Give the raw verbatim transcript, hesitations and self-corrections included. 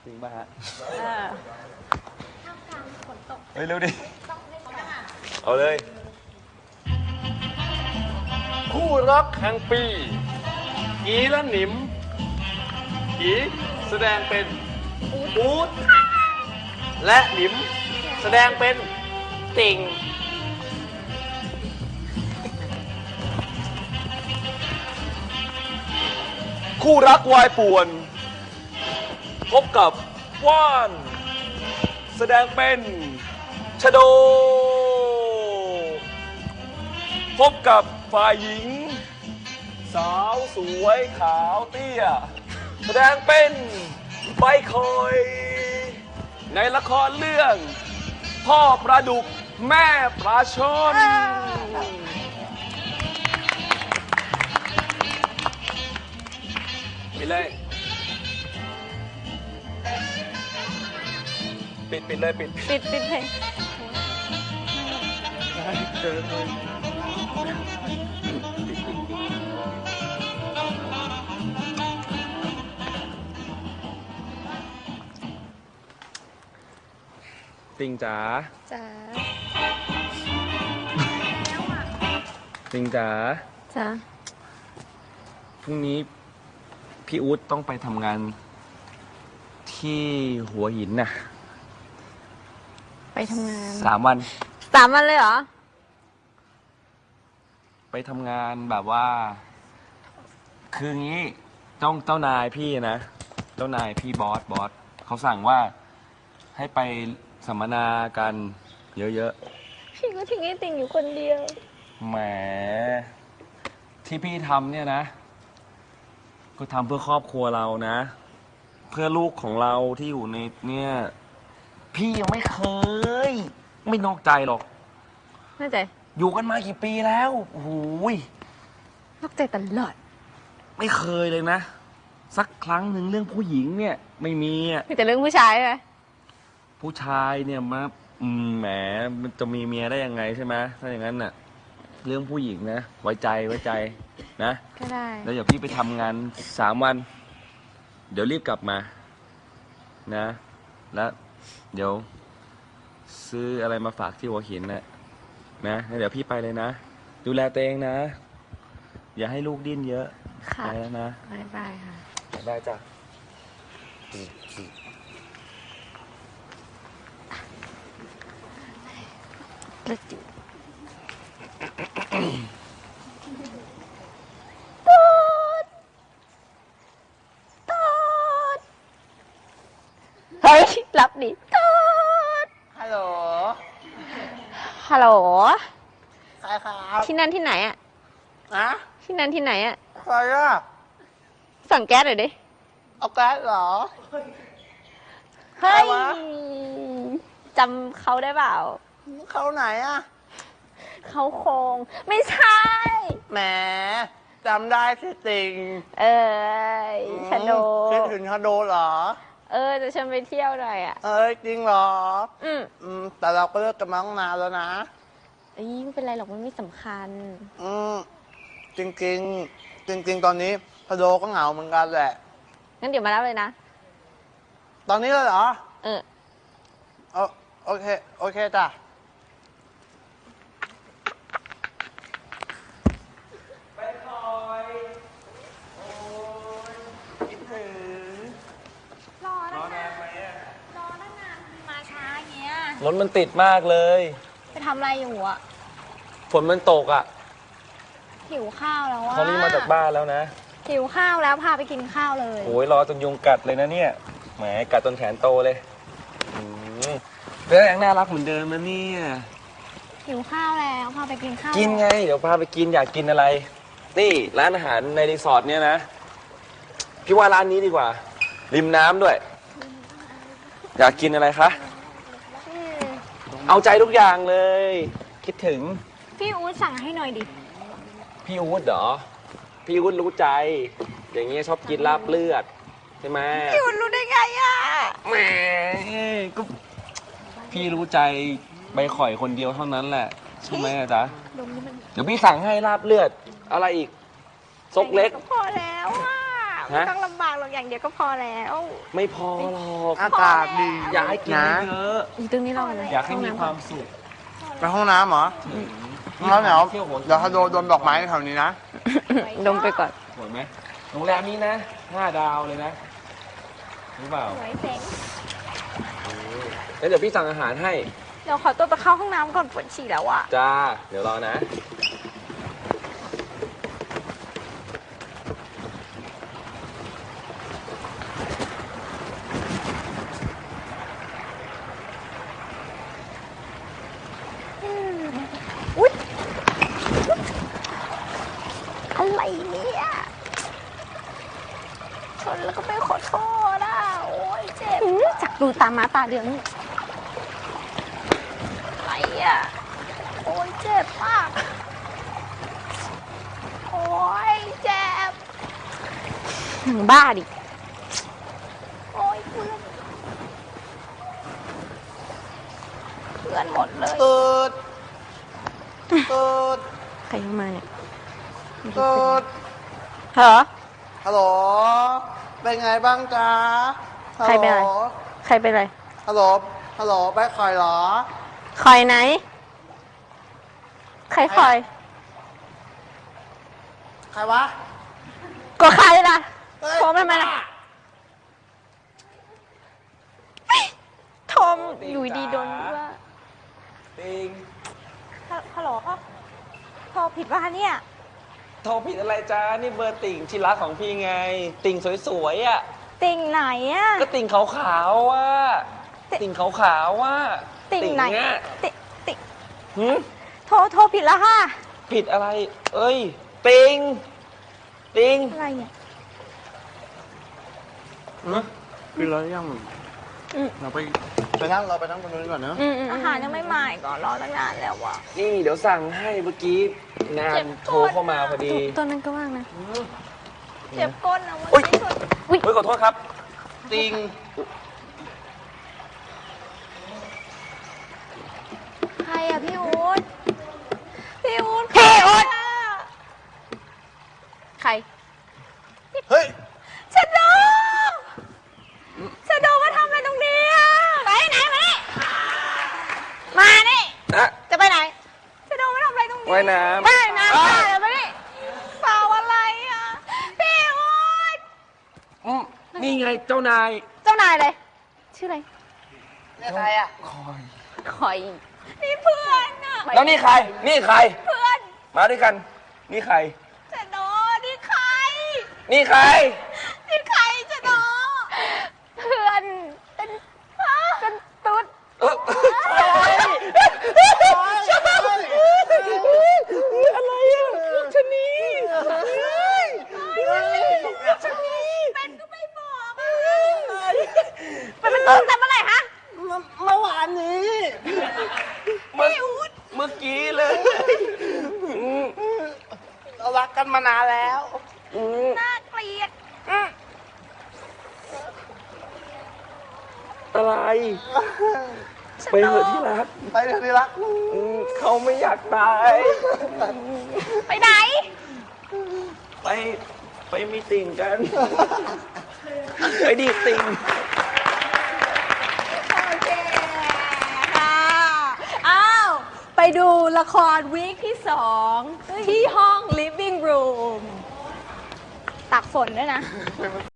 จริงป่ะฮะเออท่ามกลางฝนตกเฮ้ยเร็วดิเอาเลยคู่รักแห่งปีอีและหนิมอีแสดงเป็นอู๊ดและหนิมแสดงเป็นติ่งคู่รักวายป่วนพบกับว่านแสดงเป็นชโดพบกับฝ่ายหญิงสาวสวยขาวเตี้ยแสดงเป็นใบคอยในละครเรื่องพ่อปลาดุกแม่ปลาชนไปเลยปิดปิดเลยปิดปิดปิดเพลงติงจ๋าจ๋าติงจ๋าจ๋าพรุ่งนี้พี่อู๊ดต้องไปทำงานที่หัวหินน่ะไปทำงานสามวันสามวันเลยเหรอไปทำงานแบบว่าคืองี้เจ้าเจ้านายพี่นะเจ้านายพี่บอสบอสเขาสั่งว่าให้ไปสัมมนากันเยอะๆพี่ก็ทิ้งไอ้ติ่งอยู่คนเดียวแหมที่พี่ทำเนี่ยนะก็ทำเพื่อครอบครัวเรานะเพื่อลูกของเราที่อยู่ในเนี่ยพี่ยังไม่เคยไม่นอกใจหรอกนอกใจอยู่กันมากี่ปีแล้วโอ้โหนอกใจตลอดไม่เคยเลยนะสักครั้งหนึ่งเรื่องผู้หญิงเนี่ยไม่มีอ่ะมีแต่เรื่องผู้ชายไหมผู้ชายเนี่ยมาอืมแหมมันจะมีเมียได้ยังไงใช่ไหมถ้าอย่างนั้นน่ะเรื่องผู้หญิงนะไว้ใจไว้ใจนะก็ได้แล้วเดี๋ยวพี่ไปทำงานสามวันเดี๋ยวรีบกลับมานะแล้วเดี๋ยวซื้ออะไรมาฝากที่หัวหินน่ะนะเดี๋ยวพี่ไปเลยนะดูแลตัวเองนะอย่าให้ลูกดิ้นเยอะไปแล้วนะบายบายค่ะได้จ้ะกระจุเฮ้ยรับดิตูดฮัลโหลฮัลโหลใครครับที่นั่นที่ไหนอะนะที่นั่นที่ไหนอะใครอะสั่งแก๊สหน่อยดิเอาแก๊สเหรอเฮ้ยจำเขาได้เปล่าเขาไหนอะเขาโคงไม่ใช่แหมจำได้สิติงเออชโดคิดถึงชโดเหรอเออจะชวนไปเที่ยวหน่อยอ่ะเอ้ยจริงเหรออืมอืมแต่เราก็เลิกกันมาตั้งนานแล้วนะเอ้ยไม่เป็นไรหรอกมันไม่สำคัญอืมจริงจริงจริงจริงตอนนี้ชโดก็เหงาเหมือนกันแหละงั้นเดี๋ยวมารับเลยนะตอนนี้เลยเหรอเออโอเคโอเคจ้ะไปคอยโอ้ยคิดถึงรอตั้งนานรอตั้งนานมาช้าอย่างเงี้ยรถมันติดมากเลยไปทำอะไรอยู่อ่ะฝนมันตกอ่ะหิวข้าวแล้วอ่ะเขารีบมาจากบ้านแล้วนะหิวข้าวแล้วพาไปกินข้าวเลยโอ้ยรอจนยุงกัดเลยนะเนี่ยแหมกัดจนแขนโตเลยเรื่องยังน่ารักเหมือนเดิมนะเนี่ยหิวข้าวแล้วพาไปกินข้าวกินไงเดี๋ยวพาไปกินอยากกินอะไรนี่ร้านอาหารในรีสอร์ทเนี่ยนะพี่ว่าร้านนี้ดีกว่าริมน้ำด้วยอยากกินอะไรคะเอาใจทุกอย่างเลยคิดถึงพี่อู๊ดสั่งให้หน่อยดิพี่อู๊ดเหรอพี่อู๊ดรู้ใจอย่างเงี้ยชอบกินลาบเลือดใช่ไหมพี่อู๊ดรู้ได้ไงอ่ะแหมก็พี่รู้ใจใบข่อยคนเดียวเท่านั้นแหละใช่ไหมจ๊ะเดี๋ยวพี่สั่งให้ลาบเลือดอะไรอีกซกเล็กพอแล้วอ่ะฮะไม่ต้องลำบากหรอกอย่างเดียวก็พอแล้วไม่พอหรอกอากาศดีอยากให้กินนะเยอะอยู่ตรงนี้เราเลยอยากให้มีความสุขไปห้องน้ำเหรอแล้วเดี๋ยวเดี๋ยวถ้าโดนโดนดอกไม้แถวนี้นะดมไปก่อนสวยไหมโรงแรมนี้นะห้าดาวเลยนะรู้เปล่าสวยเจ๋งแล้วเดี๋ยวพี่สั่งอาหารให้เดี๋ยวขอตัวไปเข้าห้องน้ำก่อนปวดฉี่แล้วอะจ้า เดี๋ยวรอนะอุ๊ยอะไรเนี่ยชนแล้วก็ไม่ขอโทษอ่ะโอ้ยเจ็บจักดูตามาตาเดืองอะไรอ่ะโอ้ยเจ็บมากโอ้ยเจ็บหนังบ้าดิโอ้ยเพื่อนเพื่อนหมดเลยเกิดเกิดใครเข้ามาเนี่ยเกิดเหรอฮัลโหล เป็นไงบ้างจ๊ะใครเป็นอะไรฮัลโหลใครเป็นไรฮัลโหล ฮัลโหลไปคอยเหรอคอยไหน ใครคอยใครวะก็ใครล่ะเฮ้ยโทรมาทำไมล่ะโทรมอยู่ดีโดนว่าติงฮัลโหลครับโทรผิดว่าเนี่ยโทรผิดอะไรจ้า นี่เบอร์ติ่งที่รักของพี่ไง ติ่งสวยๆอ่ะติ่งไหนอะก็ติ่งขาวๆว่ะติ่งติ่งขาวๆว่ะติ่งไหนเนี้ยติ่งติ่งหืมโทรโทรผิดแล้วค่ะผิดอะไร เอ้ย ติง ติงอะไรเนี่ยกินแล้วยังอืมเราไปไปนั่งเราไปนั่งตรงนู้นก่อนเนอะอาหารยังไม่มาอีก่อนรอตั้งนานแล้วอะนี่เดี๋ยวสั่งให้เมื่อกี้นานโทรเข้ามาพอดีตัวนั้นก็ว่างนะเจ็บก้นนะวันอุ๊ยนี้สุดเฮ้ยขอโทษครับติงใครอะพี่อู๊ดพี่อู๊ดพี่อู๊ดใครเฮ้ยชะโดชะโดมาทำอะไรตรงนี้อะไปไหนมานี่มานี่นะจะไปไหนชะโดมาทำอะไรตรงนี้ว่ายน้ำว่ายน้ำค่ะเดี๋ยวไปนี่เปล่าอะไรอะพี่อู๊ดอืมนี่ไงเจ้านายเจ้านายเลยชื่ออะไรนี่ใครอ่ะคอยคอยนี่เพื่อนอะแล้วนี่ใคร นี่ใครเพื่อนมาด้วยกัน นี่ใครชะโดนี่ใครนี่ใครนี่ใครชะโดเพื่อนเป็นเป็นตุ๊ดเอออะไรอ่ะชะนีชะนีเป็นก็ไม่บอกอะเป็นเป็นตุ๊ดแต่เมื่อไหร่ฮะเมื่อวานนี้เมื่อเมื่อกี้เลยอืมเรารักกันมานานแล้วอืมน่าเกลียดอะไร ไปเถอะที่รักไปเถอะที่รักอืมเขาไม่อยากตายไปไหนไป ไปมีติ่งกัน ไปดีดติ่งโอเคค่ะอ้าว ไปดูละครวีคที่สองที่ห้อง living room ตักฝนด้วยนะเป็น